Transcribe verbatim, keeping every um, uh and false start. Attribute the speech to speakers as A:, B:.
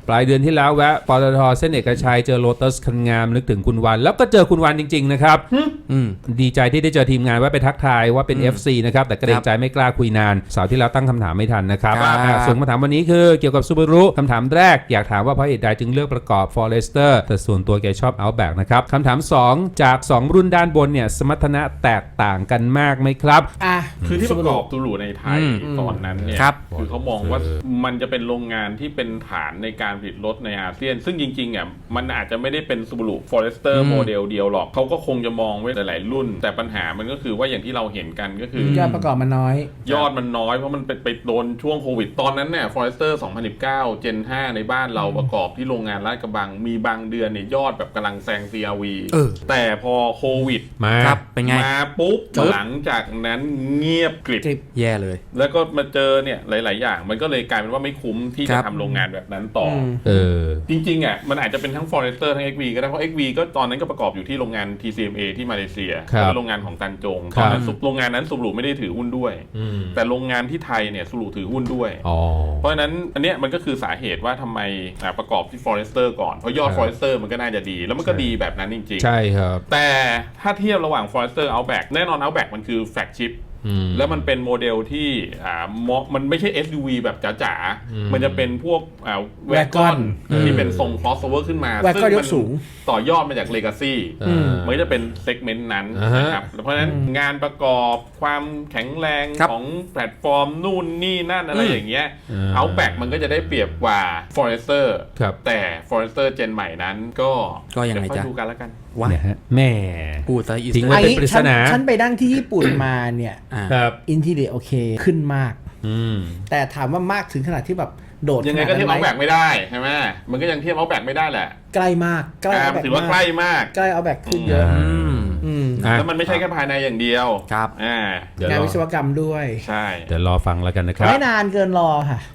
A: ปลายเดือนที่แล้วแวะปตทเส้นเอกชัยเจอโลตัสคันงามนึกถึงคุณวันแล้วก็เจอคุณวันจริงๆนะครับดีใจที่ได้เจอทีมงานว่าไปทักทายว่าเป็น เอฟ ซี นะครับแต่เกรงใจไม่กล้าคุยนานเสาร์ที่แล้วตั้งคำถามไม่ทันนะครับส่วนคำถามวันนี้คือเกี่ยวกับ Subaru คำถามแรกอยากถามว่าเพราะเหตุใดจึงเลือกประกอบ Forester แต่ส่วนตัวแกชอบ Outback นะครับคำถามสองจากสองรุ่นด้านบนเนี่ยสมรรถนะแตกต่างกันมากไหมครับ
B: อ่ะ
C: คือที่ประกอบซูรุในไทยตอนนั้นเนี่ยคือเขามองว่ามันจะเป็นโรงงานที่เป็นฐานในการผลิตรถในอาเซียนซึ่งจริงๆอ่ะมันอาจจะไม่ได้เป็น Subaru Forester โมเดลเดียวหรอกเขาก็คงจะมองไว้หลายๆรุ่นแต่ปัญหามันก็คือว่าอย่างที่เราเห็นกันก็คือย
B: อดประกอบมันน้อย
C: ยอดมันน้อยเพราะมันไปไปโดนช่วงโควิดตอนนั้นเนี่ย Forester สองพันสิบเก้า Gen ห้าในบ้านเราประกอบที่โรงงานลาดกระบังมีบางเดือนเนี่ยยอดแบบกำลังแซง ซี อาร์ วี แต่พอโควิด
A: มา
D: เป็นไง
C: มาปุ๊บหลังจากนั้นเงียบกริบ
D: แย่เลย
C: แล้วก็มาเจอเนี่ยหลายๆอย่างมันก็เลยกลายเป็นว่าไม่คุ้มที่จะทำโรงงานแบบนั้นต่อ
A: เออ
C: จริงๆอ่ะมันอาจจะเป็นทั้ง Forester ทั้ง เอ็กซ์ วี ก็ได้เพราะ เอ็กซ์ วี ก็ตอนนั้นก็ประกอบอยู่ที่โรงงาน ที ซี เอ็ม เอ ที่มาเลเซียเป็นโรงงานของตันจงตอนนั้นโรงงานนั้นซูรุไม่ได้ถือหุ้นด้วยแต่โรงงานที่ไทยเนี่ยซูรุถือหุ้นด้วยเพราะฉะนั้นอันเนี้ยมันก็คือสาเหตุว่าทำไมประกอบที่ Forester ก่อนเพราะยอด Forester มันก็น่าจะดีแล้วมันก็ดีแบบนั้นจริงๆ
A: ใช่ครับ
C: แต่ถ้าเทียบระหว่าง Forester Outback แน่นอน Outback มันคือแฟลกชิพแล้วมันเป็นโมเดลที่อ่ามันไม่ใช่ เอส ยู วี แบบจ๋าๆมันจะเป็นพวกอ่าแวกอนที่เป็นทรง crossover ขึ้นมา
B: ซึ่งมัน
C: ต่อยอดมาจาก Legacy มันจะเป็นเซกเมนต์นั้นนะครับเพราะฉะนั้นงานประกอบความแข็งแรงของแพลตฟอร์มนู่นนี่นั่นอะไรอย่างเงี้ย Outback มันก็จะได้เปรียบกว่า Forester แต่ Forester Gen ใหม่นั้นก็
D: ก็ยังไงจ๊ะ
C: ดูกันแล้วกัน
A: ว่าแม่
D: พูดซะอีก
A: ทิ้งไว้เป็นปริศนา
B: ฉันไปนั่งที่ญี่ปุ่นมาเนี่ยอินทีเรียโอเคขึ้นมากแต่ถามว่ามากถึงขนาดที่แบบโดด
C: ยังไงก็เทียบเอาแบกไม่ได้ใช่ไหมมันก็ยังเทียบเอาแบกไม่ได้แหละ
B: ใกล้มากใกล้เอาแบก
C: ถือว่าใกล้มาก
B: ใกล้เอาแบกขึ้นเยอะ
C: แล้วมันไม่ใช่แค่ภายในอย่างเดียว
D: ครับ
B: งานวิศวกรรมด้วย
C: ใช่
A: เดี๋ยวรอฟังแล้วกันนะครับ
B: ไม่นานเกินรอค่ะ